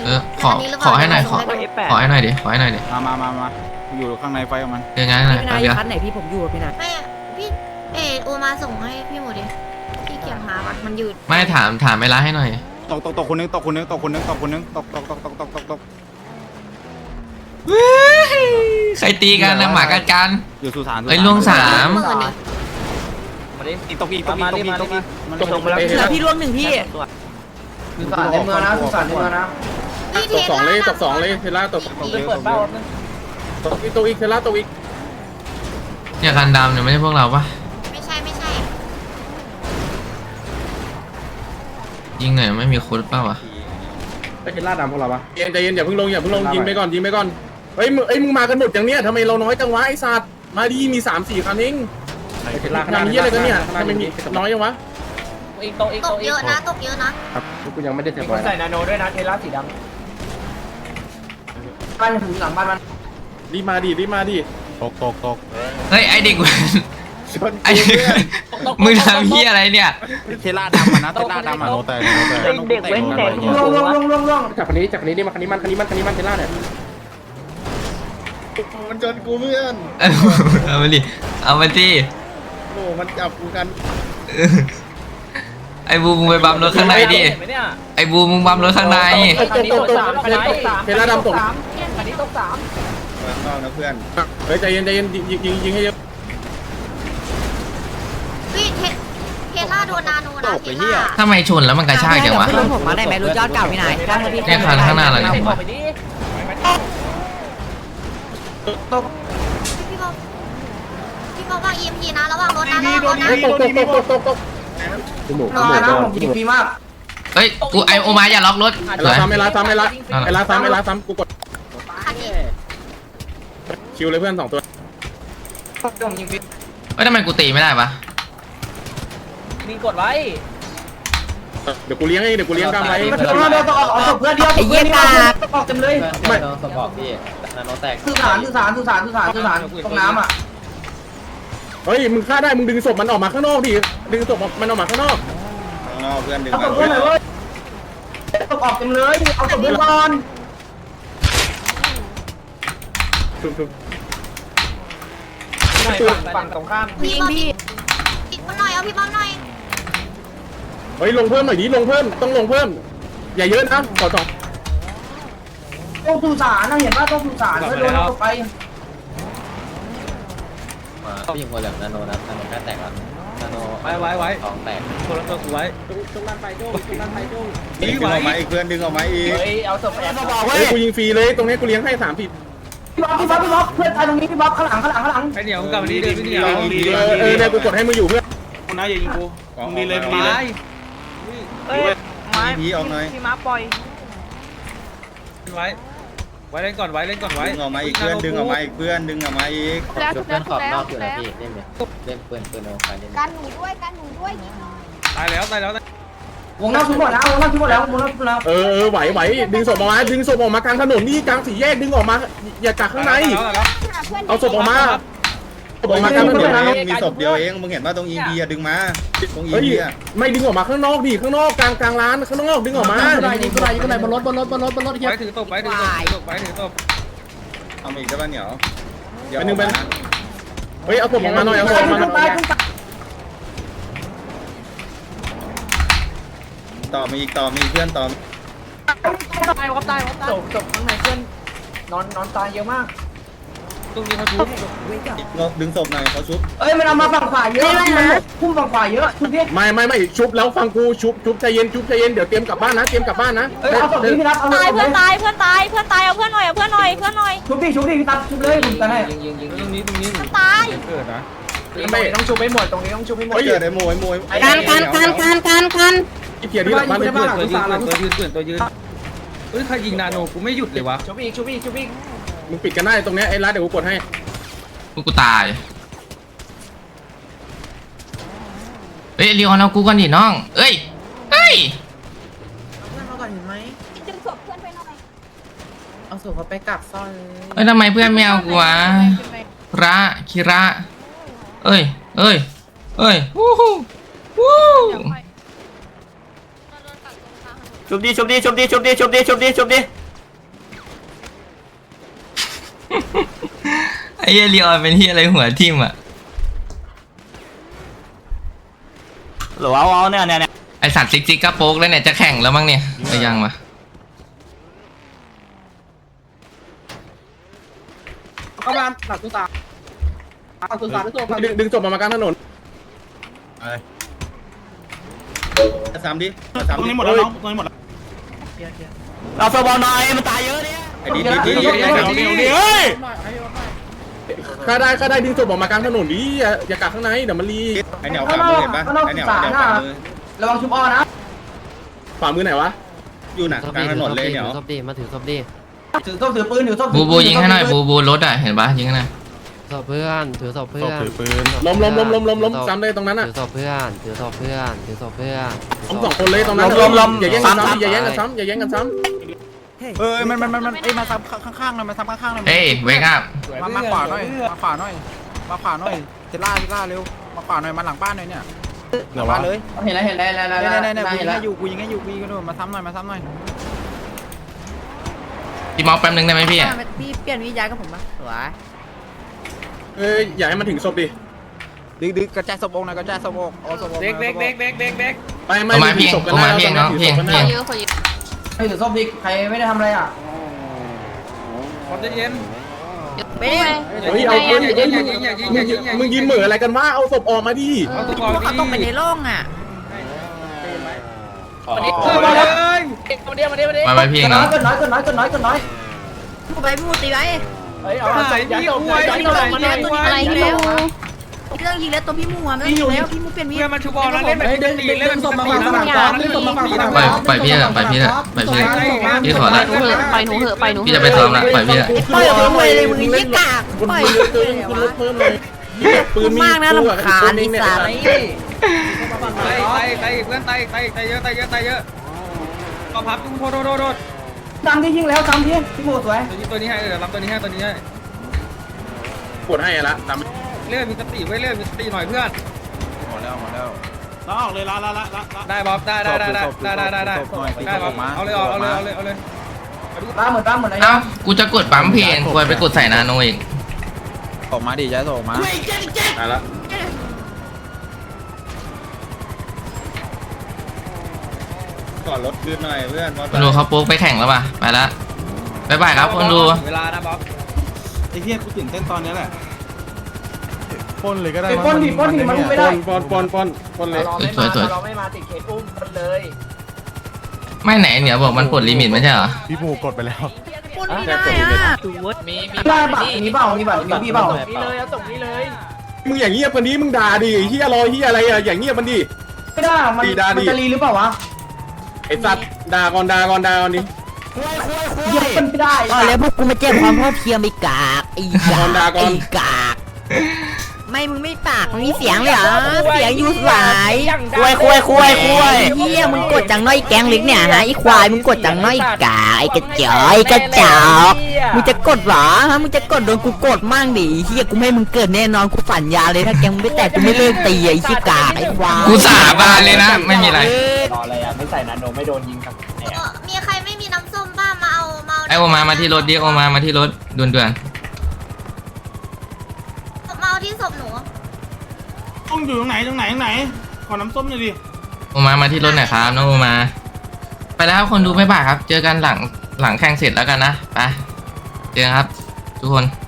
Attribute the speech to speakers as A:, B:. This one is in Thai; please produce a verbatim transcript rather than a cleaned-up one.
A: เออขอขอให้หน่อยขอขอให้หน่อยดิขอให้หน่อยดิ
B: มามามามาอยู่ข้างในไฟกับมัน
A: ยังไงหน่อย
C: พี่นายคันไหนพี่ผมอยู่พี่นาย
D: ไม่พี่เออโอมาส่งให้พี่หมดดิพี่เกียงหาวัดมันยืด
A: ไม่ถามถามเวลาให้หน่อย
B: ตกตกตกคนนึงตกคนนึงตกคนนึงตกคนนึงตกตกตกตกตกตกตก
A: ใครตีกันนะหมากัดกัน
B: อยู่สุสาน
A: เอ้ยล่วงสาม
B: อีกตกอีกตกอีกตกอีกตกอีกมันตกไปแล้ว
C: เหลือพี่ล่วงหนึ่งพี่
E: สุสานในเมืองนะสุสานในเมืองนะ
D: ตกสองเลยตกสองเลย
B: เทล่าตกตกเปิดเบ้าตกอีกตกอีกเทล่าตกอีก
A: เนี่ยกันดำเนี่ยไม่ใช่พวกเราปะ
D: ไม่ใช่ไม่ใช่
A: ยิงหน่อยไม่มีโค้ดเปล่าวะ
E: ไปเทล่าดำพวกเราปะ
B: เย็นใจเย็นอย่าเพิ่งลงอย่าเพิ่งลงยิงไปก่อนยิงไปก่อนเฮ้ยมึงเอ้ยมึงมากันหมดอย่างเนี้ยทำไมเราน้อยจังวะไอ้สัตว์มาดีมีสามสี่คันเอง
E: เทล่าขนาด
B: ทำเยี่ยอะไรกันเนี่ยทำไมมีน้อยจังวะ
D: ตกเยอะนะตกเยอะนะครับ
E: กูยังไม่ได้เท
F: มีคนใส่นาโนด้วยนะเทล่าสีดำ
E: บ้านถึงหลังบ้านมัน
B: รีบมาดิรีบมาดิตกตกตก
A: เฮ้ยไอเด็กไอมึงทำเฮียอะไรเนี่ย
B: เทล่าดำนะเทล่าดำอ่ะโนแต่โนแต่
F: เด็กเว้นเด็ก
E: ล่วงล่วงล่วงล่วงล่วงจากคันนี้จากคันนี้ดิมาคันนี้มันคันนี้มันคันนี้มันเทล่าเนี่ย
B: มันจนกูเพื่อน
A: เอามาดิเอามาดิ
B: โอ้มันจับกูกัน
A: ไอ้บูมึงไปบัมรถข้างในดิไอ้บูมึงบัมรถข้างใน
F: คันนี้ตกสามคันนี้ตกสาม
B: เทล่าดำตก
F: คันนี้ตกสาม
B: ข้างนอกนะเพื่อนเฮ้ยใจเย็นใจเย็นยิงยิงยิงให้เยอะ
D: พี่เทเทล่าโดนนาโนนะเทล่า
A: ทำไมชนแล้วมันกระชากจังวะ
C: ผมมาได้ไหมรถยอดเก่าพี่นาย
A: เนี่ยคันข้างหน้าเราเนี่ย
F: ออกไปดิ
D: พี่บอกพี่บอกว่า อี เอ็ม พี นะระวังรถนะระวังรถนะ
B: ตกตกตกตกตกตก
E: จมูกจมูกนะผมยิงฟรีมาก
A: เฮ้ยกูไอโอมาอย่าล็อกรถ
B: ไอ้ลาซ้ำไอ้ลาซ้ำไอ้ลาไอ้ลาซ้ำไอ้ลาซ้ำกูกดคิวเลยเพื่อนสองตัว
F: ยิงฟิต
A: เฮ้ยทำไมกูตีไม่ได้ปะ
F: มีกดไว้
B: เดี๋ยวกูเลี้ยงเองเดี๋ยวกูเลี้ยงกล้ามไว้
E: มาถึงมาเดินต่อออกเพื่อนเดียว
C: ไอ้เยี่ยกา
E: ออกเต็มเลย
B: ไม่
F: สปอร์ตพี่นาโนแตก
E: สุสานสุสานสุสานสุสานสุสานตรงน้ำอ่ะ
B: เฮ้ยมึงฆ่าได้มึงดึงศพมันออกมาข้างนอกดิดึงศพมันออกมาข้างนอก
G: ข้างนอกเพื่อนดึง
E: เอา
G: มา
E: ศพเพื่อนเลยตกออกเต็มเลยเอาศพเพื่อนก่อน
F: ฝั่งตรงข้าม
D: พี่บอมพี่อีกคนหน่อยเอาพี่บอมหน่อย
B: เฮ้ยลงเพิ่มหน่อยดิลงเพิ่มต้องลงเพิ่มอย่าเยอะนะขอสอง
E: ต้องสุสานนะเห็นว่าต้องสุสานเพื่อโดนตกไป
F: มายิงหัวเหลืองนาโนนะนาโนแค่แตกแล้วนาโน
H: ไว้ไว้ไว้
F: สองแตก
H: คนละตัวกูไว้
E: ตรงนั้นไปโจ้ตรงนั้นไปโจ้
G: ดึงออกมาอีกเพื่อนดึงออกมาอีก
F: เฮ้ยเอาศพแอบ
B: เฮ้ยกูยิงฟรีเลยตรงนี้กูเลี้ยงให้สามผิด
E: พี่บ๊อบพี่บ๊อบพี่บ๊อบเพื่อนตายตรงนี้พี่บ๊อบข้างหลังข้างหลังข้างหลัง
H: ไอเหนียวมึงกลับมาดีเดินพี่เหนียว
B: เออเออเนี่ยกูกดให้มึงอยู่เพื่อน
H: คุณน้าอย่ายิงกูมึงดีเลยมึงดี
F: ไม้
H: เลย
F: เฮ้ยไม้
G: พีออกหน่อย
F: พี่ม้าปล่อย
H: ไว้ไว้เล่นก่อนไว้เล่นก่อนไว้
G: ดึงออกมาอีกเพื่อนดึงออกมาอีกเพื่อนดึงออกมาอีก
F: แล้วเพื่อนขอบนอกอยู่แล้วพี่เล่นเลยเล่นปืนปืนโอคาเล่น
D: กันหนูด้วยกันหนูด้วยนิดหน่อย
H: ตายแล้วตายแล้ว
E: วงนอกทุกหมดแล้ววงนอกทุกหมดแล้ววงนอกทุกหมดแล้ว
B: เออเออไหวไหวดึงศพออกมาดึงศพออกมากลางถนนนี่กลางสี่แยกดึงออกมาอย่ากักข้างในเอาศพออกมาศพออกมากลางถนน
G: มีศพเดียวเองมึงเห็นว่าตรงอีพีอะดึงมาตรงอี
B: เฮ้ย
G: พีอะ
B: ไม่ดึงออกมาข้างนอกดิข้างนอกกลางกลางร้านข้างนอกดึงออกมา
E: ยิงอะไรยิงอะไรยิงอะไรบนรถบนรถบนรถบนรถเฮีย
H: ไว้ถือตบไว้ถือตบตบไว้ถือตบ
G: เอามาอีกได้ป่ะเหนียว
B: เป็นหนึ่งเป็นเฮ้ยเอาศพออกมาหน่อยเอาศพออกมาหน่อย
G: ต่อมีอีกต่อมีเพื่อนต่อ
F: ตายวับตายวับตายศพศพข้างในเพื่อนนอนนอนตายเยอะมาก
H: ตรงนี้เขาทุบ
G: ดึงศพหน่อยเขาชุบ
E: เอ้ยมันเอามาฝั่งขวาเยอะมันพุ่มฝั่งขวาเยอะชุบพี่
B: ไม่ไม่ไม่ชุบแล้วฟังกูชุบชุบใจเย็นชุบใจเย็นเดี๋ยวเตรียมกลับบ้านนะเตรียมกลับบ้านนะ
E: เอ้ยเอาศพพี่พี่รับเอา
D: ตายเพื่อนตายเพื่อนตายเพื่อนตายเอาเพื่อนหน่อยเอาเพื่อนหน่อยเพื่อนหน่อย
E: ชุบพี่ชุบพี่พี่ตัดชุบเลยผมตัดให้
F: ยิงยิงยิง
H: ตรงนี้ตรงนี้
D: เพื่อนตาย
H: เกิดนะ
F: ไม่ต้องชุบไม่หมดตรงนี้ต้องชุบไม่หมด
G: เกิดไอ้โมยโมย
D: กันกันกันกันกันกัน
B: ที่เกียร์ที่หลังบ้าน
H: เกิ
B: เพื่
H: ด
B: อน
H: ตัวยืนตัวยืนเกิดตัวยืนเฮ้ยใครยิงนาโนกูไม่หยุดเลยวะ
F: ชุบอีกชุบอีกชุบอีก
B: มึงปิดกันได้ตรงนี้ไอ้ร้านเดี๋ยวกูกดให้
A: กูกูตายเฮ้ยเรียวเอากูก่อนดิน้องเอ้ยเฮ้ย
C: เพื่อนเขาก่อนเห็นไหม
D: ดึงศพเพื่อนไปหน่อย
C: เอาศพเขาไปกักซ่อน
A: เฮ้ยทำไมเพื่อนไม่เอากูวะระคิระเอ้ยเอ้ยเอ้ยวู้ฮู้วู้
F: ชุบดีชุบดีชุบดีชุบดีชุบดีชุบดีชุบดี
A: ไอ้เหี้ยลีออนเป็นที่อะไรหัวทิ่มอ่ะ
F: หรือว่าเอาเนี่ยเนี่ยเนี่ย
A: ไอสัตว์ซิกซิกก็โป๊กแล้วเนี่ยจะแข่งแล้วมั้งเนี่ยไปยังวะ
E: เข้ามาหลักตุสาหลักตุสาด้วยตัว
B: ดึงดึงศพออกมากลางถนน
G: สามดิสาม
H: ตรง
G: ดิ
H: นี้หมดแล้วน้องตรงนี้หมดแล้ว
F: เราสบอลหน่อยมันตายเยอะเนี่ย
G: ไอ้ดิดิดิดิดิ
H: เฮ้ย
B: ข้าได้ข้าได้ดึงศพออกมากลางถนนดิอย่าอย่ากักข้างในเดี๋ยวมันรี
G: ไอ้เหนียวฝ่ามือเห็นปะไอ้เหนียวเหนียวฝ่ามือ
E: ระวังชุบอ้อนะ
B: ฝ่ามือไหนวะ
G: อยู่หนักกลางถนนเลยเหนียว
C: ศพดีมาถือศพดี
E: ถือต้มถือปืนถือต้ม
A: บูบูยิงให้หน่อยบูบูรถอ่ะเห็นปะยิงให้หน่อย
C: ศพเพื่อนถือศพเพื่อน
H: ถือปืน
B: ล้มล้มล้มล้มล้มล้มซ้ำเลยตรงนั้นอ่ะ
C: ถือศพเพื่อนถือศพเพื่อนถือศพเพื่อน
B: ล้มสองคนเลยตรงนั้นอย่าแย่งกันซ้ำอย่าแย่งกันซ้ำอย่าแย่งกันซ้
H: เออมันมันมันมันเอ้ยมาซ้ำข้างๆหน่อยมาซ้ำข้างๆหน่อย
A: เอ้ยเวกอัพ
H: มามาขวาหน่อยมาขวาหน่อยมาขวาหน่อยเทล่าเทล่าเร็วมาขวาหน่อยมาหลังบ้านหน่อยเนี่ยหลังบ้านเลย
E: เห็นแล้วเห็นแล้วเห็นแล้ว
H: เนี่ยเนี่ยเนี่ยกู
E: เห็
H: ยิ
E: น
H: ง
E: แล้ว
H: ให้อยู่กูยิงให้อยู่กูยิงให้ดูมาซ้ำหน่อยมาซ้ำหน่อย
A: พี่มอสแป๊บนึงได้ไหมพี่
C: พี่เปลี่ยนวิญญาณกับผมปะสวย
B: ำเอ้ยอย่าให้มันถึงศพดิ
H: ดึงดึงกระจายศพองหน่อยกระจายศพองเอาศพอง
F: เบรกเบรกเบรกเบรกเบรกเบรก
B: ไปไม่
A: เอามา
B: ถื
A: พี่
B: อศพกัน
A: เอา
B: ได้
A: มาพี่น้องพี่
B: ถือศพกัน
A: พี่
B: ได้
D: เยอะคนเยอะ
E: ไอ้ถือส้มดิใครไม่ได้ทำอะไรอ่ะ
F: คนจะเย็น
D: ไม่ได้
B: เฮ้ยเอาปืนเฮ้ยมึงมึงมึงยิงเหมืออะไรกันวะเอาศพออกมาดิ
F: เอาตัวก่อน
C: เขาต้องไปในโล่งอ่ะ
F: มาดิมาเลยมาดิมาดิมาดิ
A: มาไปพี่
E: เกิน
A: น้
E: น้
A: อ
E: อง ยเกินน้อยเกินน้อยเกินน้อยเกินน้อย
C: กูไปมูตีไว้
F: เฮ้ยเอาใส่ยัดศพยัดศพมาเลย
C: ตัวนี้อะไรอีกแล้วเรื่องยิงแล้วตัวพี่มูอ่ะไม่ต้องยิงแล้วพี่มูเปลี่ยนวิญ
F: เพื่อ
C: ญาณ
F: มันชูบอลแล้วเล่นแบบตีเล่นแบบตี
A: ปล่อยปล่อยพี่เถอะปล่อยพี่เถอะปล่อยพี่เถอะพี่ขอละ
D: ไปหนูเหอะไปหนู
A: พี่จะไปซ้อมละปล่อยพี่เถอะ
C: ปล่อยผมเลยเลยมึงยี่กาก
B: คุณ
C: ปล่อย
B: ปืนเกินคุณรถเพิ่มเลยปืนมี
C: มากนะลำคาญไอ้สัตว์
F: ไต่ไต่ไต่เพื่อนไต่ไต่ไต่เยอะไต่เยอะไต่เยอะก็พับโทษโทษโทษโทษ
E: ซ้ำที่ยิงแล้วซ้ำที่พี่โมสวย
F: ตัวนี้ตัวนี้ให้เออรับตัวนี้ให้ตัวนี้ให้
B: กดให้ละตาม
F: เลื่อนมีสติไว้เลื่อนมีสติหน่อยเพื่อน
H: หมดแล้วหมดแล้วแล้วออกเลยละละละละ
F: ได้บ๊อบได้ได้ได้ได้ได้ได้ได้ได้บ๊อบเอาเลยเอาเลยเอาเลยเอาเลย
E: ตามเหมือนตามเหมือนอะไร
A: เอ้ากูจะกดปั๊มเพลงควรไปกดใส่นาโนอีก
H: ออกมาดิย้ายศพออกมา
B: ได้ละ
G: ก่อนรถคืนหน่อยเพื่อน
A: คนดูเขาโป๊กไปแข่งแล้วป่ะไปละบ๊ายบายครับคนดู
F: เวลานะบ๊อบ
H: ไอ้เหี้ยกูตื่นเต้นตอนนี้แหละปนเลยก็ได้
E: ไปป้นดิป้นดิมันไม่
B: ป
E: ได้
B: อนปอนปอนปอนปอนเลย
A: สวยสวย
F: เราไม่มาติดเคสอุ้มกันเลย
A: ไม่ไหนเนี่ยบอกมันปลดลิมิตไม่ใช่เหรอ
H: พี่ปูกดไปแล้ว
C: ปนไม่ได้อ่ะ
F: มีมี
E: ได้บัตรมีเปล่ามีบัตรมีพี่เปล่า
F: นี่เลยเอาส่งนี่เลย
B: มึงอย่างเงียบกันนี้มึงด่าดิเฮียรอเฮียอะไรอะอย่างเงียบมันดิ
E: ไม่ได้มันมันจะรีหรือเปล่าวะ
B: ไอ้สัตว์ด่าก่อนด่าก่อนด่าก่อนดิ
E: ยิงมันไม่ได้
C: อ๋อแล้วพวกกูมาแจ้งความพ่อเพียงไอ้กากไอ้กากไอ้กากไม่มึงไม่ปากมึงมีเสียงเลยเหรอเสียงยูสายคุยคุยคุยคุยเฮียมึงกดจังน้อยแกงเล็กเนี่ยฮะไอ้ควายมึงกดจังน้อยกาไอ้กระจอยกระจอกมึงจะกดเหรอฮะมึงจะกดโดนกูกดมั่งดิเฮียกูไม่ให้มึงเกิดแน่นอนกูสัญญาเลยถ้าแกมึงไม่แตกกูไม่เลิกตีไอ้ชิกาไอ้ควาย
A: กูสาบานเลยนะไม่มีอะไร
F: รออะไรอ่ะไม่ใส่นาโนไม่โดนยิงครับ
D: มีใครไม่มีน้ำส้มบ้างมาเอามา
A: ไอโอมามาที่รถดิโอมามาที่รถด่วนด่วน
D: มาเอาที่ศพหนู
H: ต้องอยู่ตรงไหนตรงไหนตรงไหนขอน้ำส้มหน่อยดิ
A: โอมามาที่รถหน่อยครับน้องโอมา ไปแล้วครับคนดูไม่บ่ายครับ เจอกันหลังหลังแข่งเสร็จแล้วกันนะไปเจอกันครับ ทุกคน